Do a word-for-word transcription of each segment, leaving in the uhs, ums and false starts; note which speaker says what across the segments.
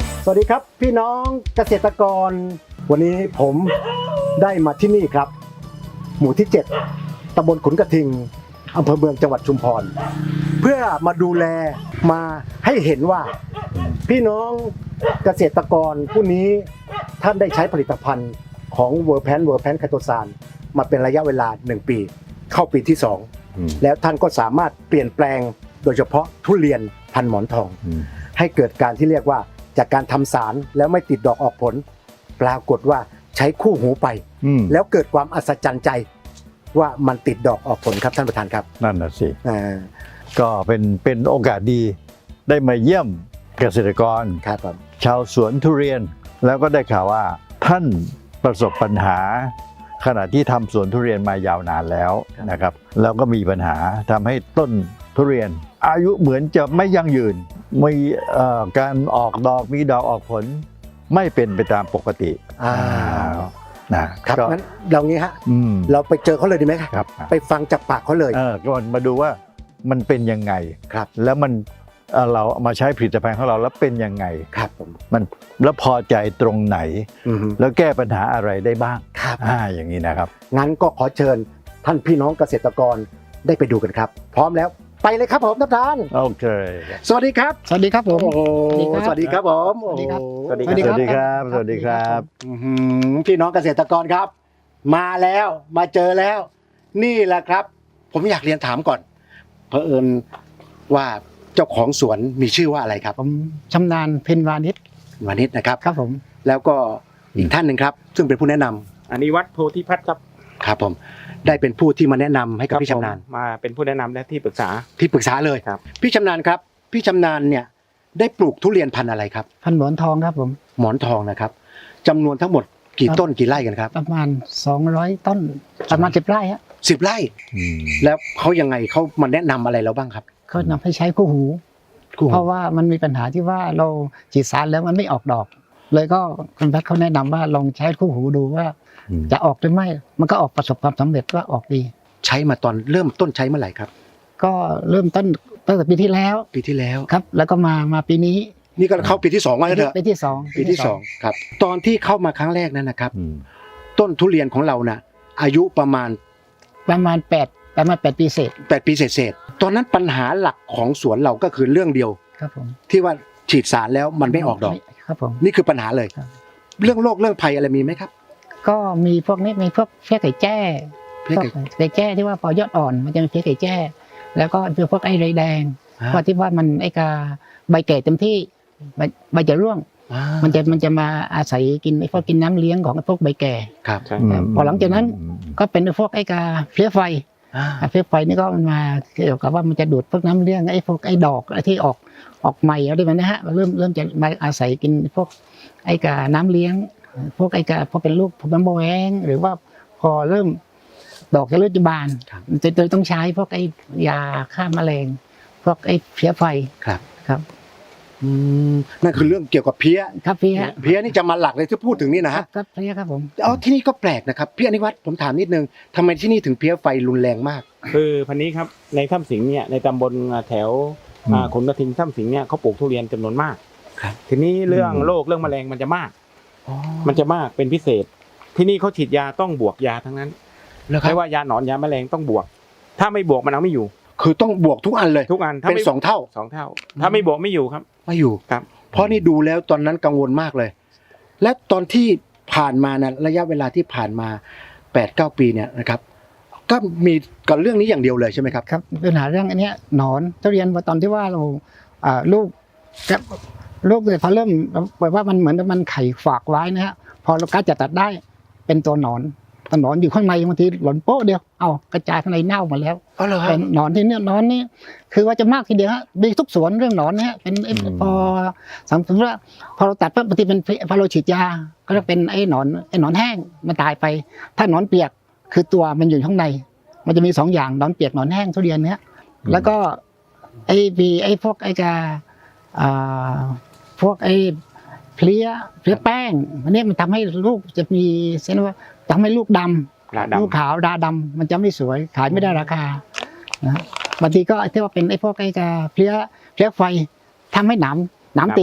Speaker 1: สวัสดีครับพี่น้องเกษตรกรวันนี้ผมได้มาที่นี่ครับหมู่ที่เจ็ดตำบลขุนกระทิงอำเภอเมืองจังหวัดชุมพรเพื่อมาดูแลมาให้เห็นว่าพี่น้องเกษตรกรผู้นี้ท่านได้ใช้ผลิตภัณฑ์ของเวอร์แพนเวอร์แพนไคโตซานมาเป็นระยะเวลาหนึ่งปีเข้าปีที่สองแล้วท่านก็สามารถเปลี่ยนแปลงโดยเฉพาะทุเรียนพันหมอนทองให้เกิดการที่เรียกว่าจากการทำสารแล้วไม่ติดดอกออกผลปรากฏว่าใช้คู่หูไปแล้วเกิดความอัศจรรย์ใจว่ามันติดดอกออกผลครับท่านประธานครับ
Speaker 2: นั่นน่ะสิก็เป็นเป็นโอกาสดีได้มาเยี่ยมเกษตรกร
Speaker 1: ครับ
Speaker 2: ชาวสวนทุเรียนแล้วก็ได้ข่าวว่าท่านประสบปัญหาขณะที่ทำสวนทุเรียนมายาวนานแล้วนะครับแล้วก็มีปัญหาทำให้ต้นทุเรียนอายุเหมือนจะไม่ยั่งยืนมีการออกดอกมีดอกออกผลไม่เป็นไปตามปกติ
Speaker 1: นะครับงั้นเรางี้ฮะเราไปเจอเขาเลยดีไหมครับไปฟังจากปากเขาเลย
Speaker 2: เออก็มาดูว่ามันเป็นยังไงครับแล้วมันเราเอามาใช้ผลิตภัณฑ์ของเราแล้วเป็นยังไง
Speaker 1: ครับผม
Speaker 2: มันแล้วพอใจตรงไหนแล้วแก้ปัญหาอะไรได้บ้าง
Speaker 1: ครับ
Speaker 2: อ่าอย่างนี้นะครับ
Speaker 1: งั้นก็ขอเชิญท่านพี่น้องเกษตรกรได้ไปดูกันครับพร้อมแล้วไปเลยครับผมท่านประธาน
Speaker 2: โอเค
Speaker 1: สวัสดีครับ
Speaker 3: สวัสดีครับผม
Speaker 1: สวัสดีครับผม
Speaker 3: สวัสดีครับ
Speaker 2: สวัสดีครับสวัสดีครับ
Speaker 1: พี่น้องเกษตรกรครับมาแล้วมาเจอแล้วนี่แหละครับผมอยากเรียนถามก่อนเผอิญว่าเจ้าของสวนมีชื่อว่าอะไรครับ
Speaker 3: ผมชำนาญเพ็ญวานิช
Speaker 1: วานิชนะครับ
Speaker 3: ครับผม
Speaker 1: แล้วก็อีกท่านหนึ่งครับซึ่งเป็นผู้แนะนำ
Speaker 4: อนิวัฒน์โพธิพัฒน์ครับ
Speaker 1: ครับผมได้เป็นผู้ที่มาแนะนำให้กับพี่ชำนาญ
Speaker 4: มาเป็นผู้แนะนำและที่ปรึกษา
Speaker 1: ที่ปรึกษาเลย
Speaker 4: ครับ
Speaker 1: พี่ชำนาญครับพี่ชำนาญเนี่ยได้ปลูกทุเรียนพันธุ์อะไรครับ
Speaker 3: พันธุ์หมอนทองครับผม
Speaker 1: หมอนทองนะครับจำนวนทั้งหมดกี่ต้นกี่ไร่กันครับ
Speaker 3: ประมาณสองร้อยต้นประมาณสิบไร่ฮะ
Speaker 1: สิบไร่แล้วเขายังไงเขามาแนะนำอะไรเราบ้างครับ
Speaker 3: เขานำให้ใช้คู่หูเพราะว่ามันมีปัญหาที่ว่าเราฉีดสารแล้วมันไม่ออกดอกเลยก็คุณแพทย์เขาแนะนำว่าลองใช้คู่หูดูว่าจะออกหรือไม่มันก็ออกประสบความสำเร็จว่าออกดี
Speaker 1: ใช้มาตอนเริ่มต้นใช้เมื่อไหร่ครับ
Speaker 3: ก็เริ่มต้นตั้งแต่ปีที่แล้ว
Speaker 1: ปีที่แล้ว
Speaker 3: ครับแล้วก็มามาปีนี้
Speaker 1: นี่ก็เข้าปีที่สองแล้วเถอะ
Speaker 3: ปีที่สอง
Speaker 1: ปีที่สองครับตอนที่เข้ามาครั้งแรกนั้นนะครับต้นทุเรียนของเราน่ะอายุประมาณ
Speaker 3: ประมาณแปดประมาณแปดปีเศษ
Speaker 1: แปดปีเศษตอนนั้นปัญหาหลักของสวนเราก็คือเรื่องเดียว
Speaker 3: ครับผม
Speaker 1: ที่ว่าฉีดสารแล้วมันไม่ออกดอก
Speaker 3: ครับผม
Speaker 1: นี่คือปัญหาเลยเรื่องโรคเรื่องภัยอะไรมีไหมครับ
Speaker 3: ก็มีพวกนี้มีพวกเพี้ยไก่แจ้เพี้ยไก่แจ้ที่ว่าพอยอดอ่อนมันจะมีเพี้ยไก่แจ้แล้วก็พวกไอ้ไรแดงเพราะที่ว่ามันไอ้กาใบแก่เต็มที่ใบใบจะร่วงมันจะมันจะมาอาศัยกินไอ้พวกกินน้ำเลี้ยงของไอ้พวกใบแก่
Speaker 1: ครับ
Speaker 3: พอหลังจากนั้นก็เป็นพวกไอ้กาเพี้ยไฟเพี้ยไฟนี่ก็มันมาเกี่ยวกับว่ามันจะดูดพวกน้ำเลี้ยงไอ้พวกไอ้ดอกไอ้ที่ออกออกใหม่อะไรแบบนี้ฮะเริ่มเริ่มจะมาอาศัยกินพวกไอ้กาน้ำเลี้ยงพวกไอ้กาพอเป็นลูกพอเป็นโบแวงหรือว่าพอเริ่มดอกจะเริ่มจะบานจะต้องใช้พวกไอ้ยาฆ่าแมลงพวกไอ้เพี้ยไฟ
Speaker 1: ครับ
Speaker 3: ครับ
Speaker 1: อืมนั่นคือเรื่องเกี่ยวกับเพี้ย
Speaker 3: ครับเพี้ย
Speaker 1: เพี้ยนี่จะมาหลักเลยที่พูดถึงนี่นะฮะ
Speaker 3: ครับเพี้ยครับผม
Speaker 1: อ๋อที่นี่ก็แปลกนะครับพี่อนิวัฒน์ผมถามนิดนึงทำไมที่นี่ถึงเพี้ยไฟรุนแรงมาก
Speaker 4: คือพันนี้ครับในถ้ำสิงห์เนี่ยในตำบลแถวขุนกระทิงถ้ำสิงห์เนี่ยเขาปลูกทุเรียนจำนวนมากทีนี้เรื่องโรคเรื่องแมลงมันจะมากมันจะมากเป็นพิเศษที่นี่เขาฉีดยาต้องบวกยาทั้งนั้นไม่ว่ายาหนอนยาแมลงต้องบวกถ้าไม่บวกมันเอาไม่อยู่
Speaker 1: คือต้องบวกทุกอันเลย
Speaker 4: ทุกอัน
Speaker 1: เป็นสองเท่า
Speaker 4: สองเท่าถ้าไม่บวกไม่อยู่ครับ
Speaker 1: ไม่อยู่
Speaker 4: ครับ
Speaker 1: เพราะนี่ดูแล้วตอนนั้นกังวลมากเลยและตอนที่ผ่านมานะระยะเวลาที่ผ่านมาแปดเก้าปีเนี่ยนะครับก็มีกับเรื่องนี้อย่างเดียวเลยใช่ไหมครับ
Speaker 3: ครับปัญหาเรื่องอันนี้หนอนทุเรียนตอนที่ว่าเราลูกลูกเลยพอเริ่มแบบว่ามันเหมือนมันไข่ฝากไว้นะฮะพอเรากล้าจะตัดได้เป็นตัวหนอนตัวหนอนอยู่ข้างในบางทีหล่นโป๊ะเดียวเอากระจายข้างในเน่ามาแล้วเป็นหนอนที่เนี่ยหนอนนี่คือว่าจะมากทีเดียวฮะมีทุกสวนเรื่องหนอนเนี่ยเป็นพอสมมติว่าพอเราตัดปั๊บบางทีเป็นพอเราฉีดยาก็จะเป็นไอ้หนอนไอ้หนอนแห้งมันตายไปถ้าหนอนเปียกคือตัวมันอยู่ข้างในมันจะมีสองอย่างหนอนเปียกหนอนแห้งทุเรียนเนี้ยแล้วก็ไอ้ปีไอ้พวกไอ้กาอ่าพวกไอ้เพลี้ยเพลี้ยแป้งอันนี้มันทำให้ลูกจะมีเส้นว่าทำให้ลูกดำลูกขาวดาดำมันจะไม่สวยขายไม่ได้ราคานะบางทีก็ที่ว่าเป็นไอ้พวกไอ้กาเพลี้ยเพลี้ยไฟทำให้หนามหนามติด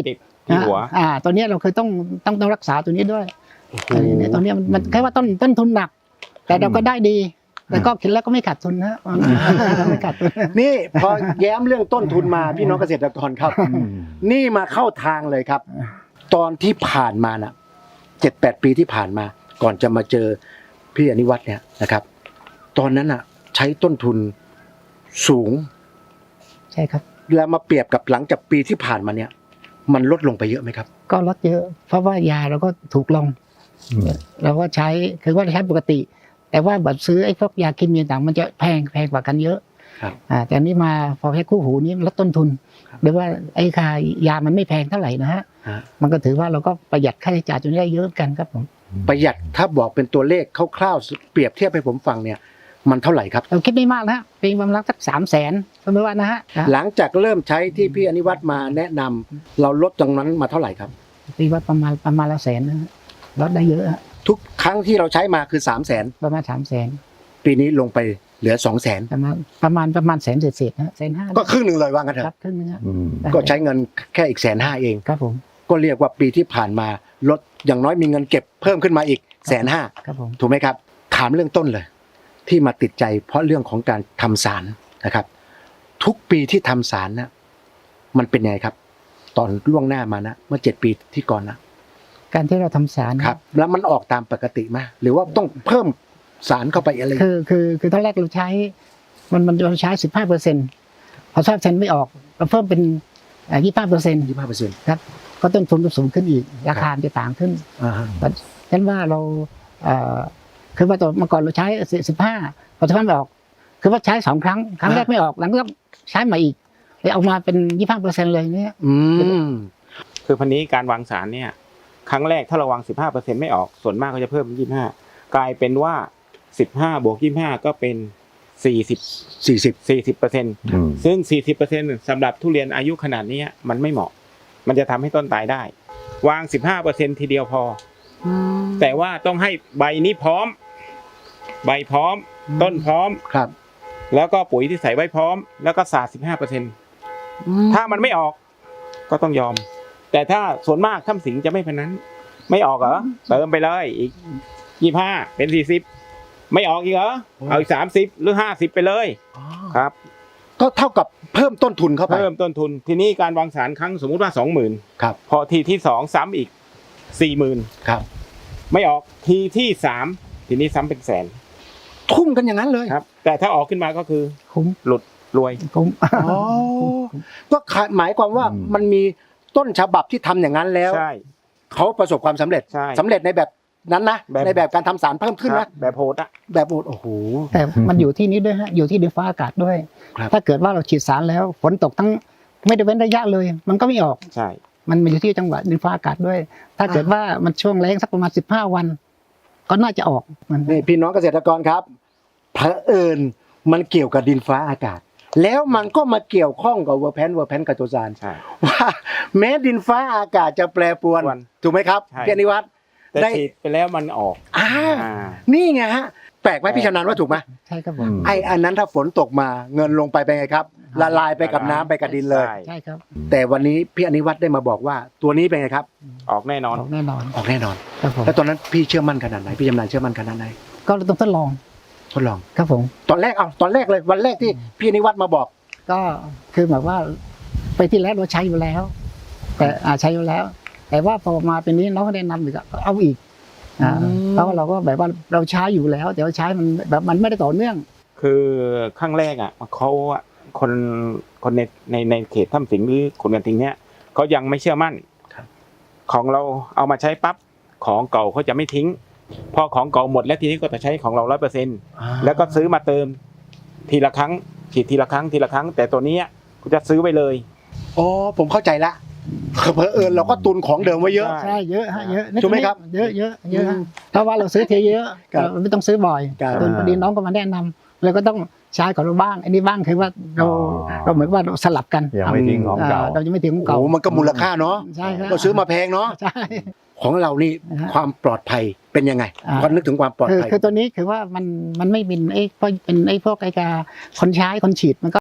Speaker 4: ที่หัว
Speaker 3: อ่าตัวเนี้ยเราเคยต้องต้องต้องรักษาตัวนี้ด้วยอันนี้เนี่ยตัวเนี้ยมันมันแค่ว่าต้นต้นทุนหนัก แต่เราก็ได้ดี แต่ก็คิดแล้วก็ไม่ขาดทุนนะไม่ขาดทุน
Speaker 1: นี่พอแย้มเรื่องต้นทุนมาพี่น้องเกษตรกรครับ นี่มาเข้าทางเลยครับ ตอนที่ผ่านมาน่ะเจ็ดแปดปีที่ผ่านมา ก่อนจะมาเจอพี่อนิวัฒน์เนี่ยนะครับ ตอนนั้นอ่ะ ใช้ต้นทุนสูง
Speaker 3: ใช่ครับ
Speaker 1: แล้วมาเปรียบกับหลังจากปีที่ผ่านมาเนี่ย มันลดลงไปเยอะไหมครับ
Speaker 3: ก็ลดเยอะ เพราะว่ายาเราก็ถูกลง เราก็ใช้คือว่าใช้ปกติ แต่ว่าบัตรซื้อไอ้พวกยาเคมีต่างมันจะแพงแพงกว่ากันเยอะ
Speaker 1: ครับ
Speaker 3: อ่าแต่อันนี้มาพอใช้คู่หูนี้ลดต้นทุน
Speaker 1: ครับ
Speaker 3: หรือว่าไอ้ค่ายามันไม่แพงเท่าไหร่นะฮะ
Speaker 1: ฮะ
Speaker 3: มันก็ถือว่าเราก็ประหยัดค่าใช้จ่ายตรงนี้ได้เยอะกันครับผม
Speaker 1: ประหยัดถ้าบอกเป็นตัวเลขคร่าวๆเปรียบเทียบให้ผมฟังเนี่ย มันเท่าไหร่ครับ
Speaker 3: เราคิดไม่มากนะฮะเป็นประมาณสักสามแสนสมมติว่านะฮะ
Speaker 1: หลังจากเริ่มใช้ที่พี่อนิวัฒน์มาแนะนำเราลดตรงนั้นมาเท่าไหร่ครับ
Speaker 3: ตีว่าประมาณประมาณละแสนนะฮะลดได้เยอะฮะ
Speaker 1: ทุกครั้งที่เราใช้มาคือสามแสน
Speaker 3: ประมาณสามแสน
Speaker 1: ปีนี้ลงไปเหลือสองแสน
Speaker 3: ประมาณประมาณประมาณแสนเศษๆนะฮะแสนห้า
Speaker 1: ก็ครึ่งหนึ่งเลยว่างั้นเถ
Speaker 3: ครับ
Speaker 1: อะ
Speaker 3: ครึ่งนึงฮะ
Speaker 2: อืม
Speaker 1: ก็ใช้เงินแค่อีกแสนห้าเอง
Speaker 3: ครับผม
Speaker 1: ก็เรียกว่าปีที่ผ่านมาลดอย่างน้อยมีเงินเก็บเพิ่มขึ้นมาอีกแสนห้า
Speaker 3: ครับผม
Speaker 1: ถูกไหมครับถามเรื่องต้นเลย ที่มาติดใจเพราะเรื่องของการทำสารนะครับ ทุกปีที่ทำสารนะมันเป็นไงครับ ตอนล่วงหน้ามานะเมื่อเจ็ดปีที่ก่อนนะ
Speaker 3: การที่เราทำสาร
Speaker 1: ครับ แล้วมันออกตามปกติไหมหรือว่าต้องเพิ่มสารเข้าไปอะไร
Speaker 3: คือคือคือตอนแรกเราใช้ มันมันเราใช้สิบห้าเปอร์เซ็นต์พอทราบเซนไม่ออกเราเพิ่มเป็นยี่สิบห้าเปอร์เซ็นต์
Speaker 1: ยี่สิบห้าเปอร์เซ็นต์
Speaker 3: ครับก็ต้นทุนก็สูงขึ้นอีกราคาจะต่างขึ้น
Speaker 1: อ่าฮะ
Speaker 3: ฉะนั้นว่าเราเอ่อคือว่าตัวเมื่อก่อนเราใช้สิบห้าพอทราบไม่ออก คือว่าใช้สองครั้งครั้งแรกไม่ออกหลังก็ใช้มาอีกเลยเอามาเป็นยี่สิบห้าเปอร์เซ็นต์เลยเนี่ย
Speaker 1: อืม
Speaker 4: คือพันนี้การวางสารเนี่ย ครั้งแรกถ้าเราวางสิบห้าเปอร์เซ็นต์ไม่ออกส่วนมากก็จะเพิ่มเป็นยี่สิบห้ากลายเป็นว่าสิบห้าบวกยี่สิบห้าก็เป็นสี่สิบ
Speaker 1: สี่สิบ
Speaker 4: สี่สิบเปอร์เซ็นต์
Speaker 2: อืม
Speaker 4: ซึ่งสี่สิบเปอร์เซ็นต์สำหรับทุเรียนอายุขนาดนี้มันไม่เหมาะ มันจะทำให้ต้นตายได้ วางสิบห้าเปอร์เซ็นต์ทีเดียวพอ แต่ว่าต้องให้ใบนี้พร้อม ใบพร้อม ต้นพร้อม
Speaker 1: ครับ
Speaker 4: แล้วก็ปุ๋ยที่ใส่ไว้พร้อม แล้วก็สาดสิบห้าเปอร์เซ็นต์ถ้ามันไม่ออก ก็ต้องยอม แต่ถ้าส่วนมากถ้ำสิงจะไม่เป็นนั้น ไม่ออกเหรอเติมไปเลยอีกยี่ห้าเป็นสี่สิบไม่ออกอีกเหรอเอาอีกสามสิบหรือห้าสิบไปเลยครับ
Speaker 1: ก็เท่ากับเพิ่มต้นทุนเข้าไป
Speaker 4: เพิ่มต้นทุนทีนี้การวางสารครั้งสมมุติว่าสองหมื่น
Speaker 1: ครับ
Speaker 4: พอทีที่สองซ้ำอีกสี่หมื่น
Speaker 1: ครับ
Speaker 4: ไม่ออกทีที่สามทีนี้ซ้ำเป็นแสน
Speaker 1: ทุ่มกันอย่างนั้นเลย
Speaker 4: ครับ แต่ถ้าออกขึ้นมาก็คือ
Speaker 3: คุ้ม
Speaker 4: หลุดรวย
Speaker 3: คุ้ม
Speaker 1: อ๋อก็หมายความว่า
Speaker 2: อืม
Speaker 1: มันมีต้นฉบับที่ทำอย่างนั้นแล้ว
Speaker 4: ใช่
Speaker 1: เขาประสบความสำเร็จ
Speaker 4: ใช่
Speaker 1: สำเร็จในแบบนั้นนะ
Speaker 4: แบบ
Speaker 1: ในแบบการทำสารเพิ่มขึ้น
Speaker 4: ครั
Speaker 1: นะ
Speaker 4: บแบบโหดอ่ะ
Speaker 1: แบบโอ้โห
Speaker 3: แต่มันอยู่ที่นี้ด้วยฮะอยู่ที่ดินฟ้าอากาศด้วย
Speaker 1: ครับ
Speaker 3: ถ้าเกิดว่าเราฉีดสารแล้วฝนตกทั้งไม่ได้เว้นระยะเลย มันก็ไม่ออก
Speaker 4: ใช่
Speaker 3: มันอยู่ที่จังหวะดินฟ้าอากาศด้วย ถ้าเกิดว่ามันช่วงแล้งสักประมาณสิบห้าวัน ก็น่าจะออกมัน
Speaker 1: นี่พี่น้องเกษตรกรครับเผอิญมันเกี่ยวกับดินฟ้าอากาศ แล้วมันก็มาเกี่ยวข้องกับเวอร์แพนเวอร์แพนกับโจซาน
Speaker 4: ใช่
Speaker 1: ว่าแม้ดินฟ้าอากาศจะแปรปรวน
Speaker 4: ปรวน
Speaker 1: ถูกไหมครับ
Speaker 4: ใช่
Speaker 1: พี่อนิวัฒน์
Speaker 4: แต่
Speaker 1: ได้
Speaker 4: ฉีดไปแล้วมันออก
Speaker 1: อ่า
Speaker 4: อ่า
Speaker 1: นี่ไงฮะแปลกไหมพี่ชำนาญว่าถูกไหม
Speaker 3: ใช่ครับผม
Speaker 2: อืม
Speaker 1: ไอ้อันนั้นถ้าฝนตกมาเงินลงไปเป็นไงครับละลายไปกับน้ำไปกับดินเลย
Speaker 4: ใช่
Speaker 3: ใช่ครับ
Speaker 1: แต่วันนี้พี่อนิวัฒน์ได้มาบอกว่าตัวนี้เป็นไงครับ
Speaker 4: ออกแน่นอน
Speaker 3: ออกแน่นอน
Speaker 1: ออกแน่นอน
Speaker 3: ครับผม
Speaker 1: แล้วตอนนั้นพี่เชื่อมั่นขนาดไหนพี่ชำนาญเชื่อมั่นขนาดไหน
Speaker 3: ก็เราต้องทดลอง
Speaker 1: ทดลอง
Speaker 3: ครับผม
Speaker 1: ตอนแรกเอาตอนแรกเลยวันแรกที่พี่อนิวัฒน์มาบอก
Speaker 3: ก็คือแบบว่าไปที่แรกเราใช้อยู่แล้ว แต่อ่าใช้อยู่แล้ว แต่ว่าพอมาเป็นนี้น้องก็แนะนำอีกก็เอาอีกอ่า
Speaker 1: อืม
Speaker 3: เพราะว่าเราก็แบบว่าเราใช้อยู่แล้ว แต่ว่าใช้มันแบบมันไม่ได้ต่อเนื่อง
Speaker 4: คือครั้งแรกอ่ะเขาอะคนคนในในในเขตถ้ำสิงหรือคนกันทิงเนี้ยเขายังไม่เชื่อมั่น
Speaker 1: ครับ
Speaker 4: ของเราเอามาใช้ปั๊บของเก่าเขาจะไม่ทิ้ง พอของเก่าหมดแล้วทีนี้ก็จะใช้ของเราร้อยเปอร์เซ็นต์แล้วก็ซื้อมาเติม ทีละครั้งฉีดทีละครั้งทีละครั้ง แต่ตัวเนี้ยกูจะซื้อไปเลย
Speaker 1: อ๋อผมเข้าใจละเผอิญเราก็ตุนของเดิมไว้เยอะ
Speaker 4: ใช่
Speaker 3: ใช่เยอะฮะเยอะ
Speaker 1: ถูกไหมครับ
Speaker 3: เยอะเยอะเยอะฮะเพราะว่าเราซื้อเทีเยอะ
Speaker 1: ครับ
Speaker 3: เราไม่ต้องซื้อบ่อย
Speaker 1: ครับ
Speaker 3: จนพอดีน้องก็มาแนะนำเราก็ต้องใช้ของเราบ้างอันนี้บ้างคือว่าเรา
Speaker 2: อ๋อ
Speaker 3: เราเหมือนว่าเราสลับกัน
Speaker 2: ยังไม่ทิ้งของเก่า
Speaker 3: เราจะไม่ทิ้งของ
Speaker 1: โอ้
Speaker 3: เก่า
Speaker 1: โหมันก็มูลค่าเนาะ
Speaker 3: ใช่ครับ
Speaker 1: ก็ซื้อมาแพงเนาะ
Speaker 3: ใช่
Speaker 1: ของเรานี่
Speaker 3: นะฮะ
Speaker 1: ความปลอดภัยเป็นยังไง
Speaker 3: อ่า
Speaker 1: พอนึกถึงความปลอด
Speaker 3: คือ
Speaker 1: ภัย
Speaker 3: คือตัวนี้คือว่ามันมันไม่เป็นไอ้พวกเป็นไอ้พวกไอ้กาคนใช้คนฉีดมันก็